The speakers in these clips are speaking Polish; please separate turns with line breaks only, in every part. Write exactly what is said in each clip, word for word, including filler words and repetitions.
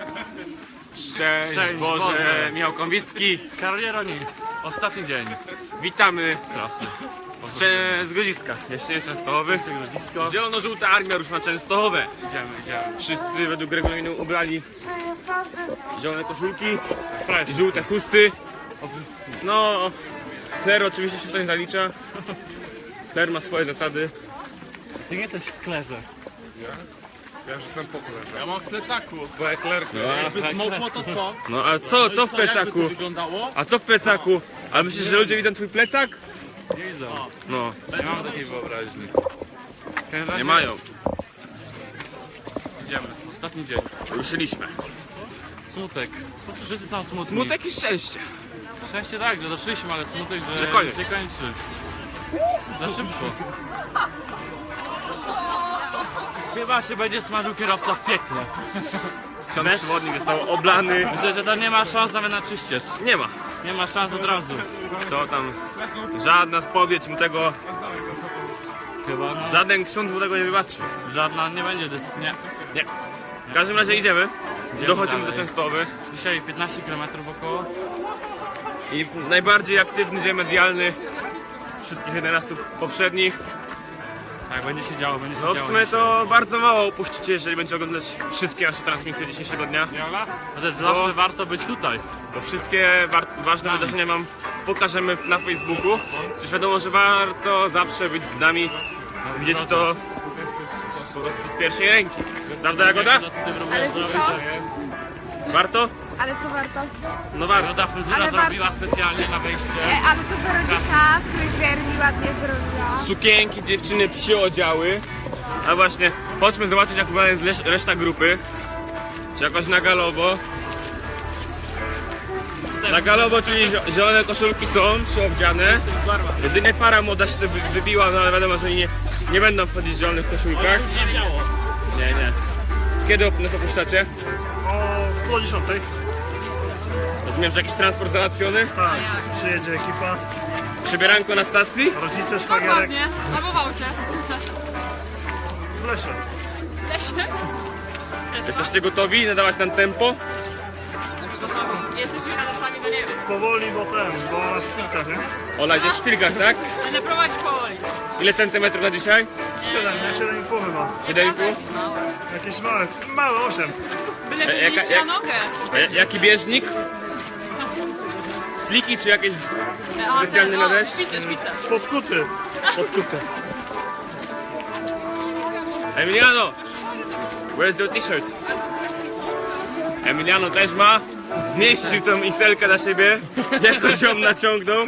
Szczęść,
Szczęść
Boże,
Boże.
Michał Konwicki.
Karol Jeroni, ostatni dzień
Witamy
z trasy.
z, Cze- z Grodziska. Jeszcze jest Częstochowy.
Grodzisko.
Zielono-żółta armia rusza na Częstochowę.
Idziemy, idziemy.
Wszyscy według regulaminu ubrali zielone koszulki
Prawie
i żółte chusty. No, Kler oczywiście się w to nie zalicza. Kler ma swoje zasady.
Ty nie jesteś w klerze.
Ja już jestem po klerze.
Ja mam w plecaku.
Bo jak kler...
Jakby zmokło to co?
No a co, co w
Co, jakby to
plecaku?
wyglądało?
A co w plecaku? A myślisz, że ludzie widzą twój plecak?
Nie widzą.
No,
Nie mam takiej wyobraźni.
nie mają.
Idziemy. Ostatni dzień.
Ruszyliśmy.
Smutek. Wszyscy są smutni.
Smutek i szczęście.
Szczęście tak, że doszliśmy, ale smutek, że,
Że koniec.
się kończy. Za szybko. Chyba się będzie smażył kierowca w piekle.
Ksiądz przewodnik został oblany.
Myślę, że to nie ma szans nawet na czyściec.
Nie ma.
Nie ma szans od razu.
To tam żadna spowiedź mu tego,
Chyba no.
żaden ksiądz mu tego nie wybaczy.
Żadna nie będzie dysk. Nie.
Nie. W każdym razie idziemy. Dochodzimy do
dalej.
Częstochowy.
Dzisiaj piętnaście kilometrów około.
I najbardziej aktywny dzień medialny z wszystkich jedenastu poprzednich.
Tak, będzie się działo, będzie się
No w
działo.
sumie
dzisiaj.
to bardzo mało upuścicie, jeżeli będziecie oglądać wszystkie nasze transmisje dzisiejszego dnia.
No to zawsze warto być tutaj.
Bo wszystkie wa ważne wydarzenia wam pokażemy na Facebooku. Przecież wiadomo, że warto zawsze być z nami, widzieć to po prostu z pierwszej ręki. Prawda, Jagoda?
Ale że co?
Warto?
Ale co warto?
No warto.
Jagoda fryzura
Ale
zrobiła specjalnie na wejście.
E, ale to Weronika, fryzjer mi ładnie zrobiła.
Sukienki dziewczyny przyodziały. A właśnie, chodźmy zobaczyć, jak wygląda jest leś- reszta grupy. Czy jakoś na galowo. Na galowo, czyli zio- zielone koszulki są przyowdziane. Jedynie para młoda się wy- wybiła, no ale wiadomo, że nie, nie będą wchodzić w zielonych koszulkach.
Już nie biało.
Nie, nie. Kiedy op- nas opuszczacie?
O pół dziesiątej.
Rozumiem, że jakiś transport załatwiony?
Tak, przyjedzie ekipa,
Przebieranko na stacji?
rodzice, szwagierek
Dokładnie, albo wałcie.
w lesie.
Jesteście gotowi nadawać nam tempo?
Jesteśmy gotowi. Jesteśmy adaptami do nieba.
Powoli, bo ten, bo na szpilkach, nie?
Ola, idziesz w szpilkach, tak?
Będę prowadzić powoli.
Ile centymetrów na dzisiaj?
siedem, nie? siedem i pół chyba.
siedem i pół?
Jakieś małe, małe, osiem.
Byle
E, jaka-
wyjść
jak-
na nogę.
A ja- jaki bieżnik? Sliki czy jakieś
A,
specjalny
ten,
na
o,
deszcz?
Szpice, szpice.
Podkuty.
podkute? Emiliano! Where's your t-shirt? Emiliano też ma. Zmieścił tą X L-kę na siebie. Jakoś ją naciągnął.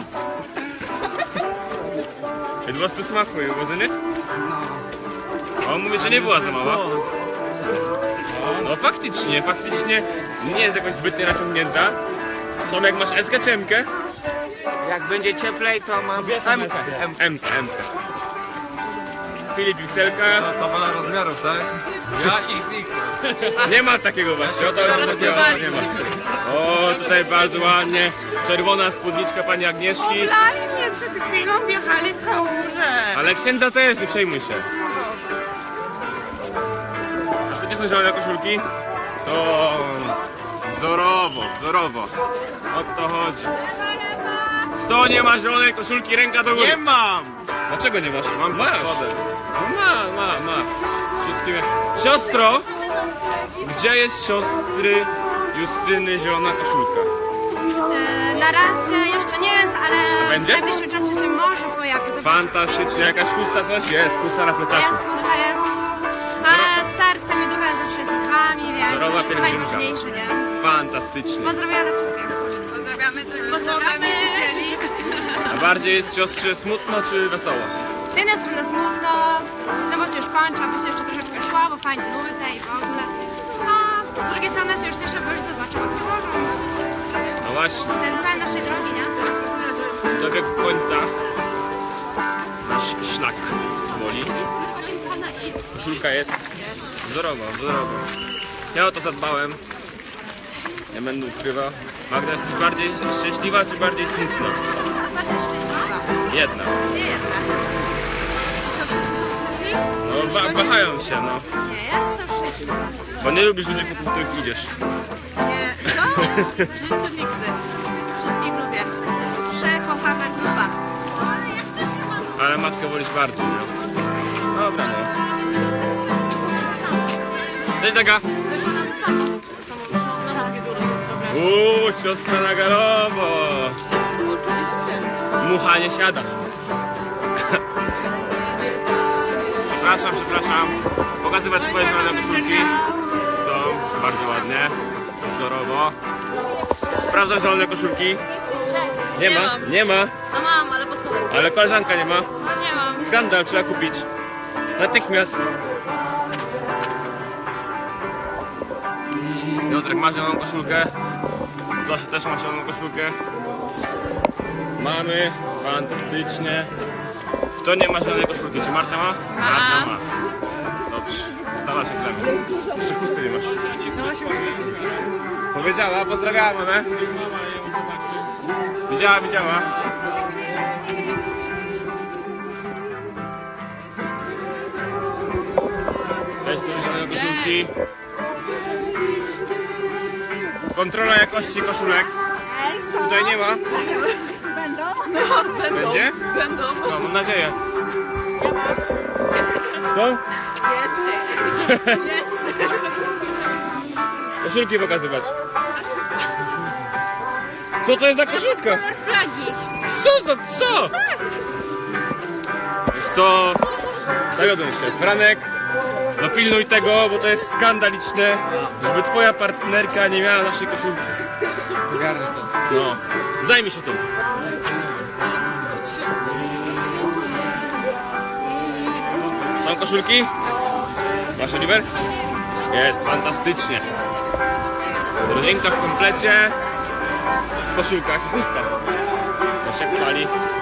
It was too small for you, wasn't it? On mówi, że nie była za mała. No faktycznie, faktycznie nie jest jakoś zbytnie naciągnięta. Tomek, masz S-kę czy M-kę?
Jak będzie cieplej, to mam M-kę.
M-kę, M-kę. Filip X L-ka.
Tabela rozmiarów, tak? Ja X X.
Nie ma takiego właśnie, o to już takiego nie ma. O, tutaj bardzo ładnie. Czerwona spódniczka pani Agnieszki.
Lali mnie przed chwilą, wjechali w kałużę.
Ale księdza też, nie przejmuj się. A to nie są zielone koszulki? Są. Wzorowo, wzorowo. O to chodzi. Kto nie ma zielonej koszulki, ręka do góry.
Nie mam!
Dlaczego nie masz? Mam masz. No ma, ma, ma. Wszystkim. Siostro! Gdzie jest siostry Justyny zielona koszulka?
E, Na razie jeszcze nie jest, ale
Będzie?
w najbliższym czasie się może pojawi. Zobaczymy.
Fantastycznie, jakaś chusta coś jest, chusta na plecaku.
Jest, chusta jest. Ale sercem i duchem zawsze jest z wami, więc
Zdrowa
to
pielgrzymka.
najważniejsze, nie?
Fantastycznie.
Pozdrawiam dla wszystkich.
Pozdrawiamy, pozdrawiamy.
A bardziej jest siostrze smutno czy wesoło?
Z jednej strony smutno, no bo się już kończy, aby się jeszcze troszeczkę szło, bo fajnie nudzę i w ogóle. A z drugiej strony się już cieszę, bo już zobaczę, jak to
No właśnie,
ten cel naszej drogi, nie?
dobieg końca. Nasz szlak woli. Koszulka jest wzorowa, wzorowa. Ja o to zadbałem. Nie będę ukrywał. Magda, jesteś bardziej szczęśliwa czy bardziej smutna?
Bardziej szczęśliwa.
Jedna.
Nie jedna. Co, wszyscy są smutni?
No wa wahają się, no.
Nie, ja jestem szczęśliwa.
Bo nie lubisz ludzi, wokół których idziesz.
Nie, co? W życiu nigdy. Wszystkich lubię. To jest przekochana grupa.
Ale matkę wolisz bardziej, no. Dobra, no. Cześć, Daga. Uuu, siostra na galowo. Mucha nie siada. Przepraszam, przepraszam. Pokazywać swoje zielone koszulki. Są bardzo ładnie. Wzorowo. Sprawdzam zielone koszulki. Nie ma, nie ma.
No mam, ale pod spodem.
Ale koleżanka nie ma.
No nie mam.
Skandal, trzeba kupić. Natychmiast. Piotrek ma zieloną koszulkę. Zosia też ma zieloną koszulkę. Mamy. Fantastycznie. Kto nie ma zielonej koszulki? Czy Marta ma? Marta ma. Dobrze. Zdałaś egzamin. Jeszcze chusty nie masz. Powiedziała, pozdrawiała mamę. Widziała, widziała. Weź sobie zielone koszulki. Kontrola jakości koszulek. Tutaj nie ma. Będą? Będzie?
Będą.
No, mam nadzieję. Co?
Jest. Jest.
Koszulki pokazywać. Co to jest za koszulka?
Kolor flagi.
Co za co? Wiesz co? Zawiodłem się. Franek, dopilnuj tego, bo to jest skandaliczne, żeby twoja partnerka nie miała naszej koszulki. No, zajmij się tym. Są koszulki? Masz, Oliver? Jest, fantastycznie. Rodzinka w komplecie, w koszulkach i chustach. To się chwali.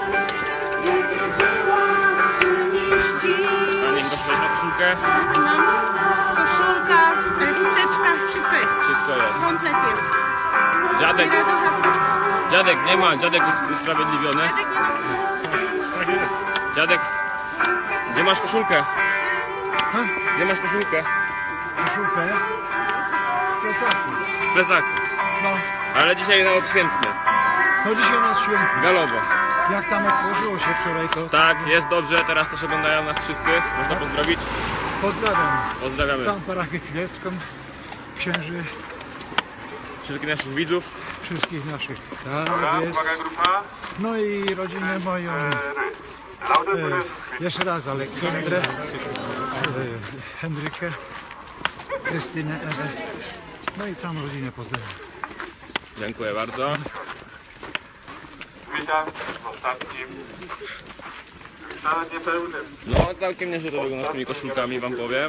Pani Gosia na koszulkę?
Koszulka, e, chusteczka, wszystko jest.
Wszystko jest.
Komplet jest.
Dziadek,
I radocha z serca.
dziadek nie ma, dziadek jest usprawiedliwiony.
Dziadek nie ma koszulki.
Tak jest.
Dziadek, gdzie masz koszulkę? Gdzie masz koszulkę?
Koszulkę? Plecaku.
W plecaku.
No,
Ale dzisiaj na odświętne.
no dzisiaj nas świętny.
Galowo.
Jak tam otworzyło się wczoraj, to
Tak, jest dobrze, teraz też oglądają nas wszyscy. Można pozdrowić.
pozdrawiam
Pozdrawiamy
całą parafię chwilecką, księży,
wszystkich naszych widzów.
wszystkich naszych. Tak jest. No i rodzinę moją. E, jeszcze raz Aleksandrę, e, Henrykę, Krystynę, Ewę. No i całą rodzinę pozdrawiam.
Dziękuję bardzo.
Witam w ostatnim, ale niepełnym.
No, całkiem nieźle to wygląda z tymi koszulkami, wam powiem.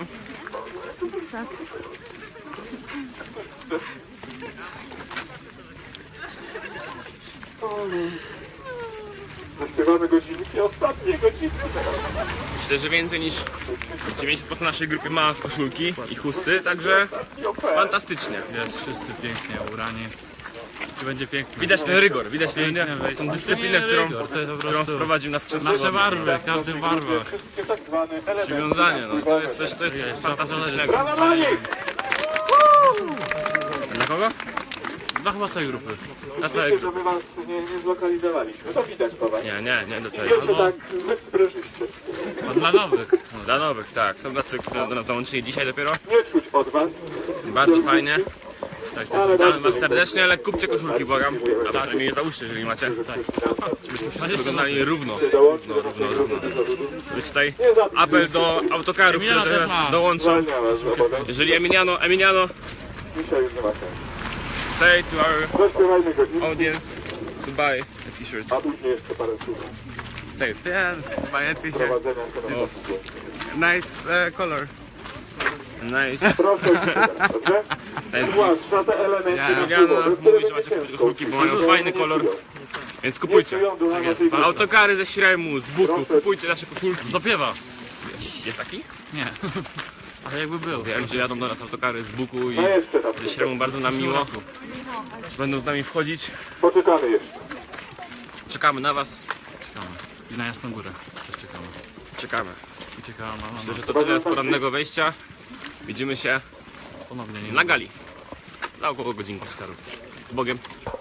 Zaśpiewamy godzinki, ostatnie godzinki.
Myślę, że więcej niż dziewięćdziesiąt procent naszej grupy ma koszulki i chusty, także fantastycznie.
Jest wszyscy pięknie ubrani. Czy będzie pięknie?
Widać ten rygor, widać ten,
Piękne wejście.
tą dyscyplinę,
To nie
którą,
rygor, to jest po
którą
prostu
wprowadził nas przez
nasze barwy, każdy w barwach.
Przywiązanie, no to jest coś, to jest fantastycznego. Dla kogo?
Dla chyba całej grupy.
Dla całego.
Że my was nie, nie zlokalizowaliśmy, to widać po was.
Nie, nie, nie do całego.
Wiecie, tak zbyt sprężyście.
A dla nowych.
No, dla nowych, tak. Są tacy, którzy do nas dołączyli dzisiaj dopiero.
Nie czuć od was.
Bardzo fajnie. Tak, tak. Witamy was serdecznie, ale kupcie koszulki, błagam. A przynajmniej je załóżcie, jeżeli macie. Tak. Żebyśmy wszyscy wyglądali równo. Równo, równo, równo. Być tutaj apel do autokarów, które
Emiliano też
teraz
ma.
dołączą.
Zwalnia was z obowiązku.
Jeżeli Emiliano, Emiliano,
Dzisiaj już nie ma sensu.
say to our
Zaśpiewajmy godzinki,
audience to buy the t-shirts.
a później jeszcze parę słów
Say it.
prowadzenia tematu.
Nice uh, color.
Nice.
Proszę o ciszę, dobrze?
Nice.
Zwłaszcza te elementy
Emiliano
napływowe,
mówi,
które
że macie kupić
ciężko
koszulki, bo mają
utrzymać.
fajny kolor. Więc
Nie
kupujcie.
czują ducha naszej grupy.
Autokary ze Śremu, z Buku, kupujcie nasze koszulki.
Zapiewa.
Jest taki?
Nie. Ale jakby był.
Wiem, że jadą do nas autokary z Buku i
No jeszcze tam.
ze Śremu bardzo nam miło. Że będą z nami wchodzić.
Poczekamy jeszcze.
Czekamy na was.
Czekamy. I na Jasną Górę też czekamy.
Czekamy.
I czekamy na
Myślę,
nas.
że to tyle z porannego wejścia. Widzimy się
Ponownie nie
na gali. Za około godzinki. Z Bogiem.